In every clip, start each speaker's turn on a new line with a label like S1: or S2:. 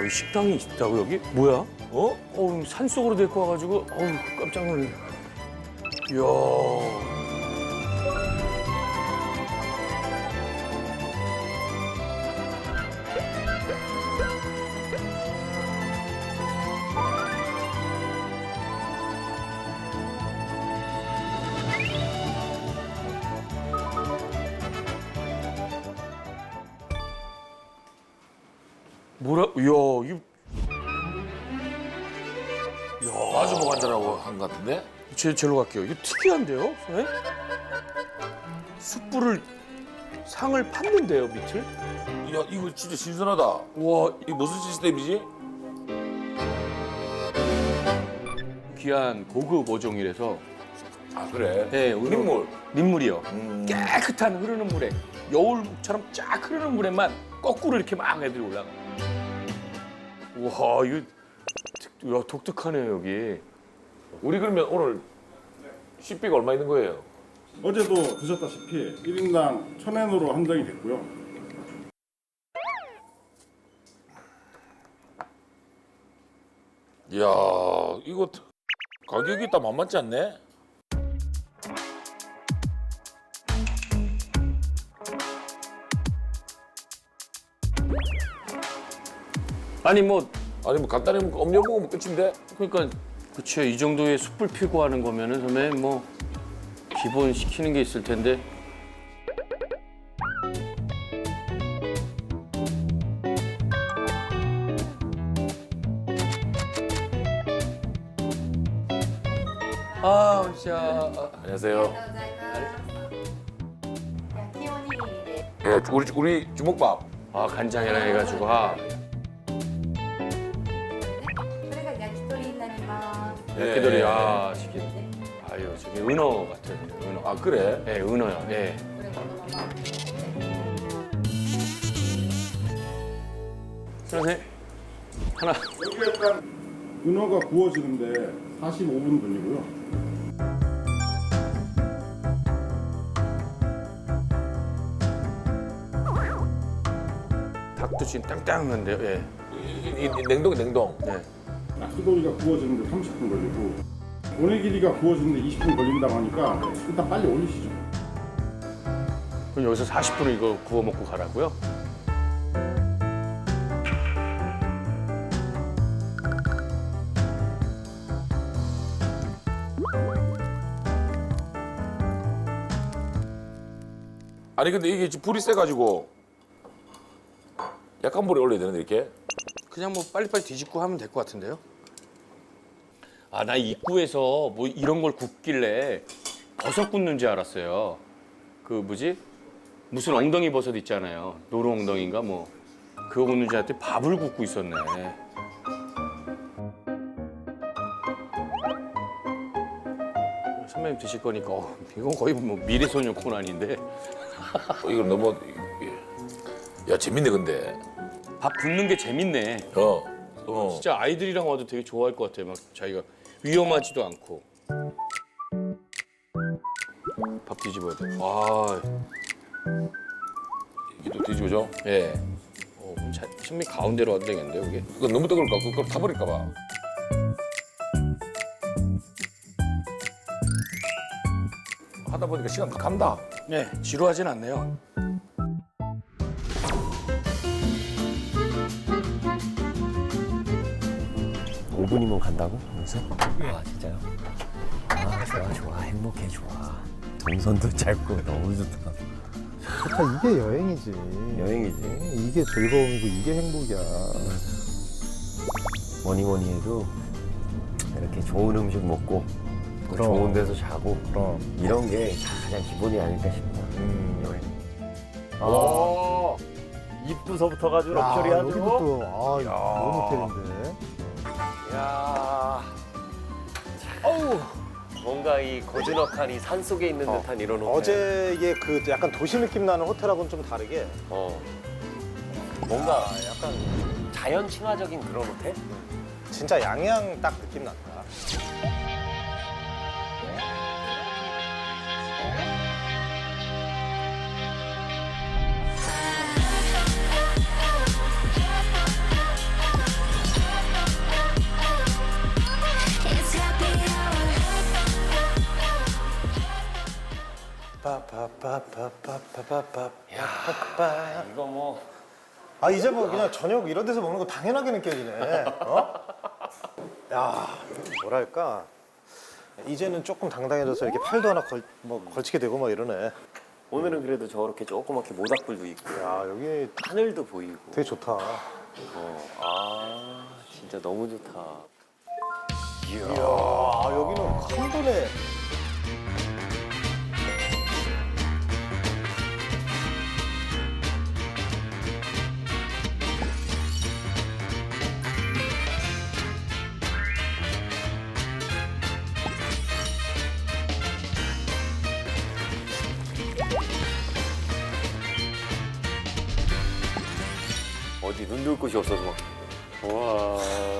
S1: 이 식당이 있다고 여기? 뭐야? 산속으로 데리고 와가지고 깜짝 놀래. 이야. 뭐라? 이야, 이거
S2: 마주보고 앉으라고 한 것 같은데?
S1: 제로 갈게요. 이거 특이한데요, 선생님? 숯불을 상을 팠는데요, 밑을?
S2: 야, 이거 진짜 신선하다.
S1: 와,
S2: 이게 무슨 시스템이지?
S1: 귀한 고급 어종이라서
S2: 아, 그래?
S1: 네,
S2: 민물.
S1: 민물이요. 깨끗한 흐르는 물에 여울처럼 쫙 흐르는 물에만 거꾸로 이렇게 막 애들이 올라가. 와, 이거 독특하네요, 여기.
S2: 우리 그러면 오늘 식비가 얼마 있는 거예요?
S3: 어제도 드셨다시피 1인당 1,000엔으로 한정이 됐고요.
S2: 이야, 이거 가격이 딱 만만치 않네?
S1: 아니 뭐
S2: 아니, 뭐 간단히 음료 먹으면 끝인데?
S1: 그러니까 그쵸, 이 정도의 숯불 피고 하는 거면은 선배님 뭐 기본 시키는 게 있을 텐데. 아, 진짜.
S2: 안녕하세요.
S4: 焼きおにぎりで
S2: 예, 우리 주먹밥.
S1: 아, 간장이랑 해가지고.
S4: これが焼き鳥になります
S2: 예,
S1: 야끼돌이,
S2: 예.
S1: 아, 시키. 아유, 저기 은어 같아요, 은어.
S2: 아, 그래?
S1: 네, 은어요. 네.
S4: これこのまま
S1: 선생님, 하나.
S3: 여기 약간 은어가 구워지는데 45분 걸리고요.
S1: 닭도 지금 땅땅한데요. 예.
S2: 이 냉동.
S1: 네.
S3: 낙수돌이가 구워지는데 30분 걸리고 오네기리가 구워지는데 20분 걸린다고 하니까 일단 빨리 올리시죠.
S1: 그럼 여기서 40분을 이거 구워 먹고 가라고요?
S2: 아니, 근데 이게 지금 불이 세가지고 약한 불에 올려야 되는데, 이렇게?
S1: 그냥 뭐 빨리빨리 뒤집고 하면 될 것 같은데요? 아, 나 입구에서 뭐 이런 걸 굽길래 버섯 굽는 줄 알았어요. 그 뭐지? 무슨 엉덩이 버섯 있잖아요. 노루 엉덩이인가 뭐. 그거 굽는 줄 알았더니 밥을 굽고 있었네. 선배님 드실 거니까 이건 거의 뭐 미래소녀 코난인데.
S2: 이거 너무, 야, 재밌네, 근데.
S1: 밥 굽는 게 재밌네.
S2: 어.
S1: 진짜 아이들이랑 와도 되게 좋아할 것 같아요. 막 자기가 위험하지도 않고. 밥 뒤집어야 돼. 아,
S2: 이게 또 뒤집어져?
S1: 예. 선배 가운데로 와도 되겠는데요, 이게?
S2: 이거 너무 뜨거울까? 그거 타버릴까 봐. 하다 보니까 시간 간다.
S1: 네, 지루하진 않네요.
S5: 오분이면 간다고? 여기서? 와 진짜요? 아 좋아 좋아 행복해 좋아 동선도 짧고 너무 좋다
S6: 좋다, 이게 여행이지.
S5: 여행이지
S6: 이게 즐거움이고 이게 행복이야.
S5: 뭐니 해도 이렇게 좋은 음식 먹고 또
S6: 그럼.
S5: 좋은 데서 자고
S6: 그럼.
S5: 이런 게 가장 기본이 아닐까 싶다 여행
S6: 아,
S5: 입구서부터 가지고
S6: 야,
S5: 럭셔리
S6: 여기도
S5: 하죠
S6: 또, 너무 호텔인데.
S5: 야 어우 뭔가 이 고즈넉한 이 산 속에 있는 듯한 이런 호텔
S6: 어제 이게 그 약간 도시 느낌 나는 호텔하고는 좀 다르게
S5: 뭔가 약간 자연 친화적인 그런 호텔?
S6: 진짜 양양 딱 느낌 난다. 빠빠빠빠빠빠빠빠빠.
S2: 이거 뭐
S6: 아 이제 뭐 그냥 저녁 이런 데서 먹는 거 당연하게 느껴지네. 어? 야 뭐랄까 이제는 조금 당당해져서 이렇게 팔도 하나 걸치게 되고 막 이러네.
S5: 오늘은 그래도 저렇게 조그맣게 모닥불도 있고
S6: 야 여기
S5: 하늘도 보이고.
S6: 되게 좋다.
S5: 아 진짜 너무 좋다.
S6: 이야 여기는 칸도네.
S5: 어디 눈 둘 곳이 없어서 막. 와.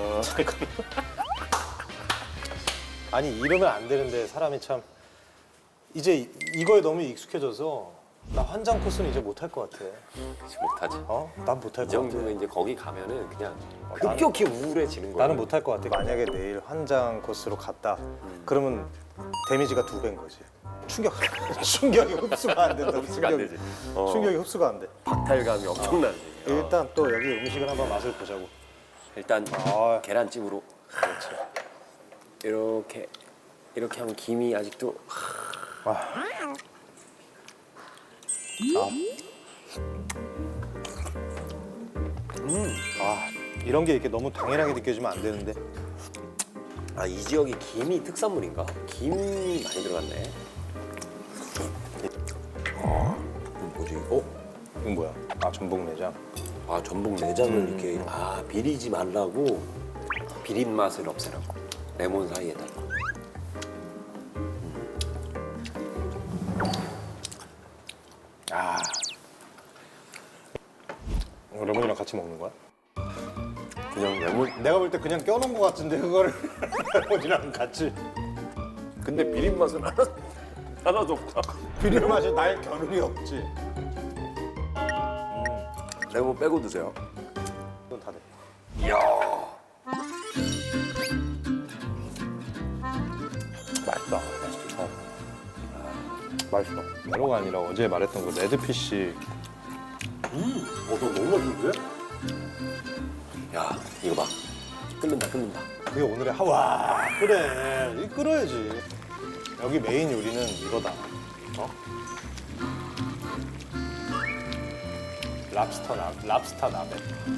S6: 아니 이러면 안 되는데 사람이 참 이제 이거에 너무 익숙해져서 나 환장 코스는 이제 못할 것 같아.
S5: 못하지.
S6: 어? 난 못할
S5: 이
S6: 것 같아.
S5: 정도면 이제 거기 가면은 그냥
S6: 나는-
S5: 급격히 우울해지는 거야.
S6: 나는 못할 것 같아. 만약에 내일 환장 코스로 갔다. 그러면 데미지가 2배인 거지. 충격, 충격이 흡수가 안 된다.
S5: 흡수가 안 되지.
S6: 충격이 흡수가 안 돼.
S5: 박탈감이 엄청나지.
S6: 일단 또 여기 음식을 한번 맛을 보자고.
S5: 일단
S6: 아.
S5: 계란찜으로
S6: 그렇지.
S5: 이렇게 하면 김이 아직도
S6: 이런 게 이렇게 너무 당연하게 느껴지면 안 되는데.
S5: 아 이 지역이 김이 특산물인가? 김이 많이 들어갔네. 이건 뭐지?
S6: 이건 뭐야? 아 전복 내장.
S5: 아 전복 내장을 이렇게 비리지 말라고 비린 맛을 없애라고 레몬 사이에다가.
S6: 이거 레몬이랑 같이 먹는 거야?
S5: 그냥 레몬.
S6: 내가 볼 때 그냥 껴놓은 거 같은데 그거를 레몬이랑 같이.
S2: 근데 비린 맛은 하나도 없다.
S6: 비린 맛이 날 겨누리 없지.
S5: 레몬 빼고 드세요.
S6: 이건 다 돼.
S5: 이야.
S6: 맛있다. 맛있어. 메로가 아니라 어제 말했던 그 레드피쉬.
S5: 너 너무 맛있는데? 야 이거 봐. 끓는다.
S6: 그게 오늘의 하와. 그래. 이 끓어야지. 여기 메인 요리는 이거다. 어? 랍스터 나베.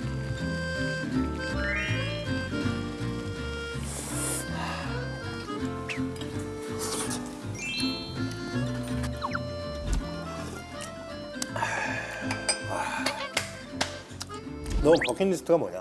S6: 너 버킷리스트가 뭐냐?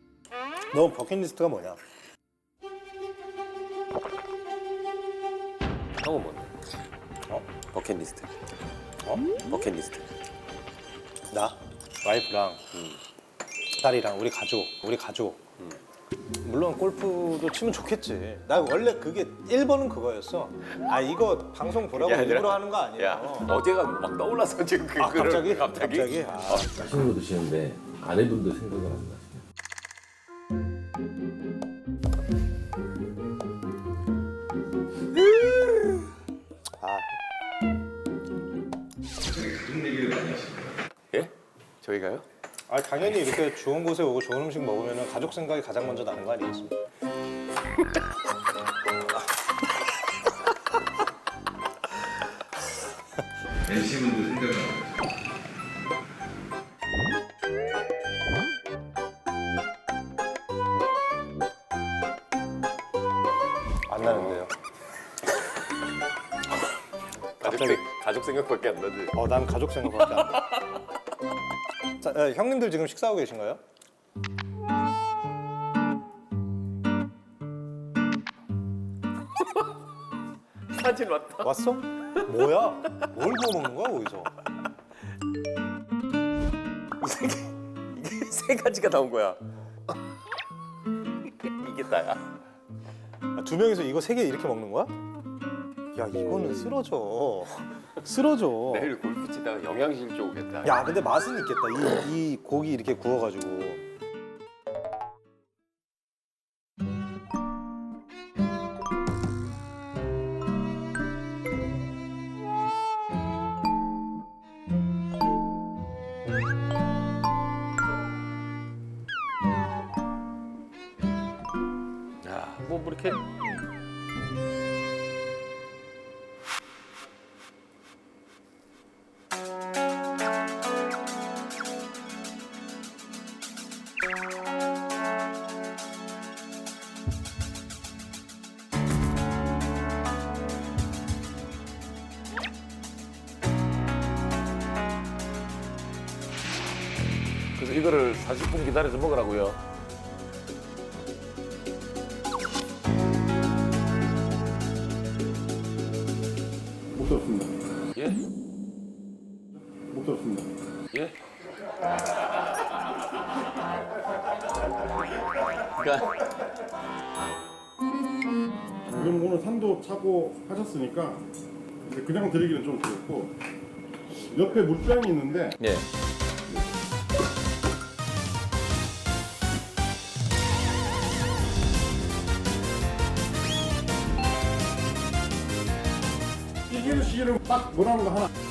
S5: 형은 뭔데?
S6: 어?
S5: 버킷리스트.
S6: 어?
S5: 버킷리스트.
S6: 나 와이프랑 딸이랑 우리 가족. 물론 골프도 치면 좋겠지. 나 원래 그게 1번은 그거였어. 아 이거 방송 보라고
S5: 야,
S6: 일부러
S5: 얘들아.
S6: 하는 거 아니에요.
S5: 야 어제가 막 떠올라서 지금 그
S6: 아
S5: 글을
S6: 갑자기? 아,
S7: 맛있는 거 드시는데 아내분도 생각을 안 나시나요?
S5: 예? 저희가요?
S6: 아 당연히 이렇게 좋은 곳에 오고 좋은 음식 먹으면 가족 생각이 가장 먼저 나는 거 아니겠습니까?
S7: NC분도 생각을 안 나시나요?
S6: 안 나는데요. 갑자기
S5: 가족 생각밖에 안 나지.
S6: 난 가족 생각밖에 안 나. 자, 형님들 지금 식사하고 계신가요?
S5: 사진 왔다.
S6: 왔어? 뭐야? 뭘 구워 먹는 거야 거기서?
S5: 이게 세 가지가 나온 거야. 이게 다야.
S6: 아, 2명이서 이거 3개 이렇게 먹는 거야? 야 이거는 쓰러져.
S5: 내일 골프 치다가 영양실조 오겠다.
S6: 야 근데 맛은 있겠다. 이 고기 이렇게 구워가지고.
S1: 이렇게
S2: 그래서 이거를 40분 기다려서 먹으라고요.
S3: 못 들었습니다.
S2: 예?
S3: 못 들었습니다.
S2: 예?
S1: 그러니까
S3: 그럼 오늘 산도 차고 하셨으니까 이제 그냥 드리기는 좀 그렇고 옆에 물병이 있는데
S1: 예.
S3: 시기를 시기를 딱 뭐라는 거 하나.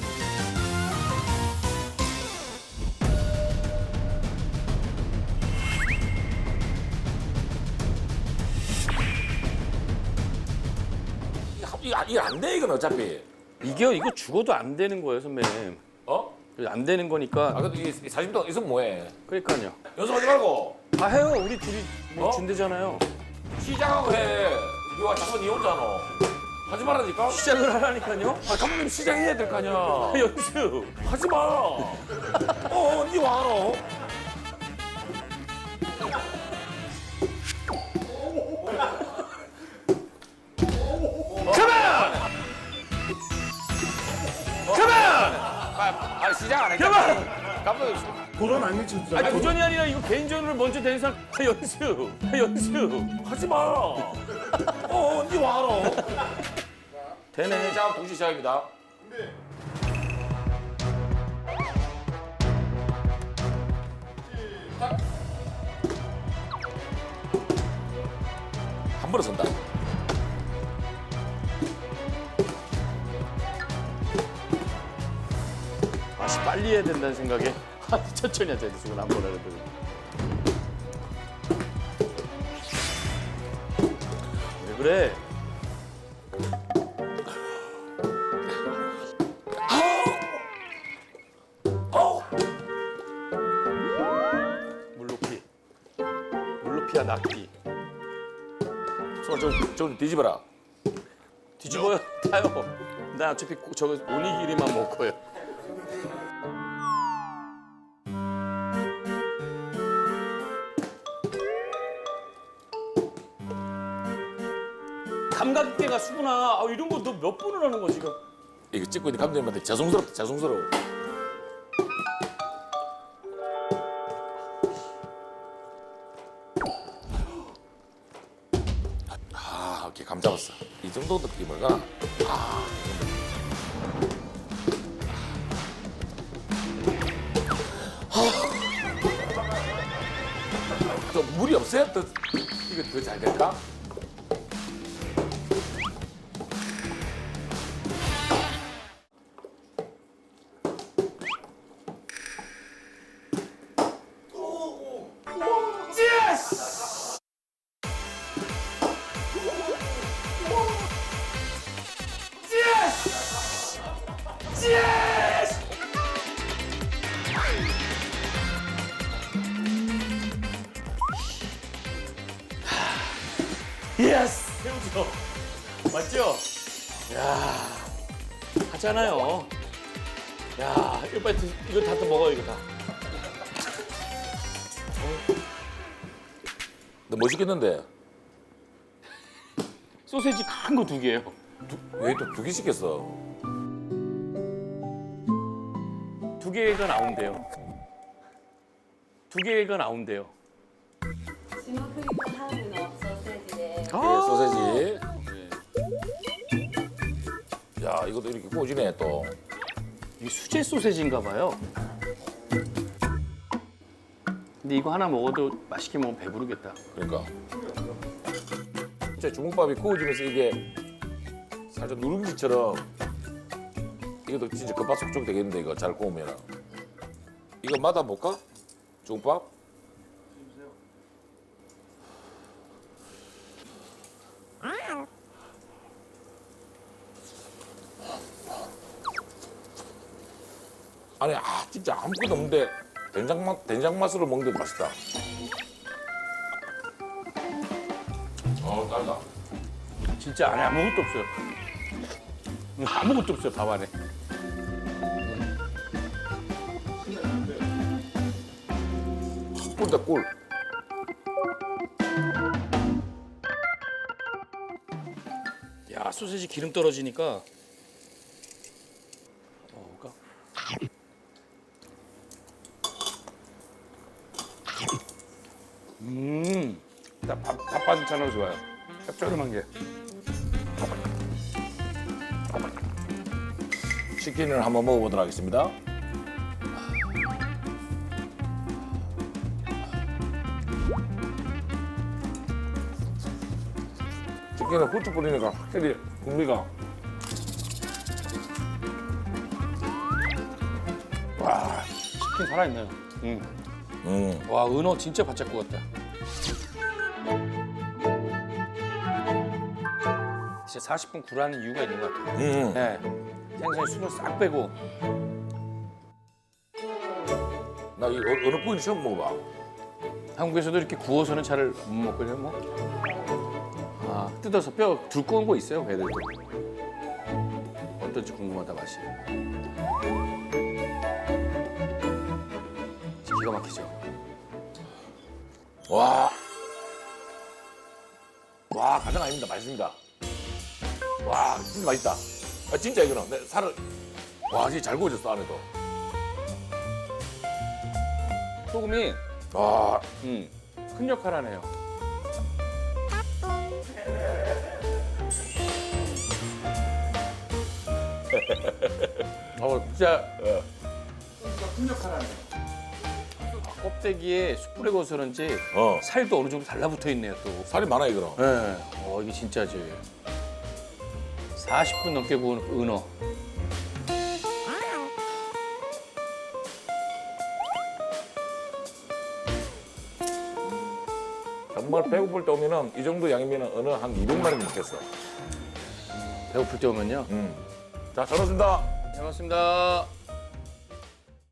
S2: 이거 안 돼, 이건 어차피.
S1: 이거 죽어도 안 되는 거예요, 선배님.
S2: 어?
S1: 안 되는 거니까.
S2: 아, 근데 이 40분 동안 있으면 뭐해?
S1: 그러니까요.
S2: 연습하지 말고
S1: 다 해요. 우리 둘이 뭐
S2: 어?
S1: 준대잖아요.
S2: 시작하고 해. 이거 잠깐 니 혼자노. 하지 말라니까?
S1: 시작을 하라니까요.
S2: 아, 감독님 시작해야 될 거 아니야.
S1: 연습.
S2: 하지 마. 니 와노. 아, 시작 안 했잖아. 감독님.
S3: 도전 안 미쳤잖아요.
S1: 아니 도전이 아니라 이거 개인전으로 먼저 되는 사람 연습.
S2: 하지 마. 니 와노.
S1: 되네.
S2: 자, 동시 시작입니다. 한 번에 선다.
S1: 다시 빨리 해야 된다는 생각에 천천히 하자. 지금 한 번 해도. 왜 그래? 물높이야 낙기.
S2: 손을 좀 뒤집어라.
S1: 뒤집어요. 타요. 나 어차피 저거 오니기리만 먹고요. 감각계가 수구나. 아, 이런 거 너 몇 번을 하는 거 지금?
S2: 이거 찍고 있는 감독님한테 죄송스럽다, 죄송스러워. 아, 오케이, 감 잡았어. 이 정도 느낌을가? 아, 좀 물이 없어야 더 이거 더 잘 될까?
S1: 예스! 새우죠? 맞죠? 야 하잖아요. 야 이거 빨리 이거 다 또 먹어 이거 다.
S2: 너 뭐 시켰는데?
S1: 소세지 큰 거 2개요.
S2: 왜 또 2개 시켰어?
S1: 2개가 나온대요. 2개가 나온대요.
S4: 霜降りとハムのソーセージで
S2: 소세지. 야, 이것도 이렇게 구워지네 또.
S1: 이게 수제 소세지인가 봐요. 근데 이거 하나 먹어도 맛있게 먹으면 배부르겠다.
S2: 그러니까. 진짜 주먹밥이 구워지면서 이게 살짝 누룽지처럼 이것도 진짜 겉바속촉 되겠는데 이거 잘 구우면. 이거 맛아볼까? 주먹밥? 아니 진짜 아무것도 없는데 된장 맛으로 먹는데도 맛있다. 딸다.
S1: 진짜 안에 아무것도 없어요. 아무것도 없어요, 밥 안에.
S2: 꿀다 꿀.
S1: 야, 소세지 기름 떨어지니까. 먹어볼까? 밥 반찬으로 좋아요. 짭조름한 게.
S2: 치킨을 한번 먹어보도록 하겠습니다. 치킨에 후추 뿌리니까 확실히 풍미가.
S1: 와, 치킨 살아있네요. 와, 은어 진짜 바짝 구웠다. 진짜 40분 구라는 이유가 있는 것 같아요. 네. 생선에 수분 싹 빼고.
S2: 나 이 어느 부위를 처음 먹어봐.
S1: 한국에서도 이렇게 구워서는 잘 못 먹거든요, 뭐. 아, 뜯어서 뼈 두꺼운 거 있어요, 배들도. 어떨지 궁금하다, 맛이. 기가 막히죠.
S2: 와 가장 아닙니다. 맛있습니다. 와 진짜 맛있다. 진짜 이거는 내 살을 와 진짜 잘 구워졌어 안에도.
S1: 소금이
S2: 와
S1: 큰 역할 하네요. 진짜 큰 역할 하네요. 껍데기에 숯불에 구워서 그런지 살도 어느 정도 달라붙어 있네요, 또.
S2: 살이 많아 이거는.
S1: 네. 이게 진짜지. 40분 넘게 구운 은어.
S2: 정말 배고플 때 오면은 이 정도 양이면은 어느 한 200마리 먹겠어.
S1: 배고플 때 오면요.
S2: 자, 잘 먹습니다.
S1: 잘 먹습니다.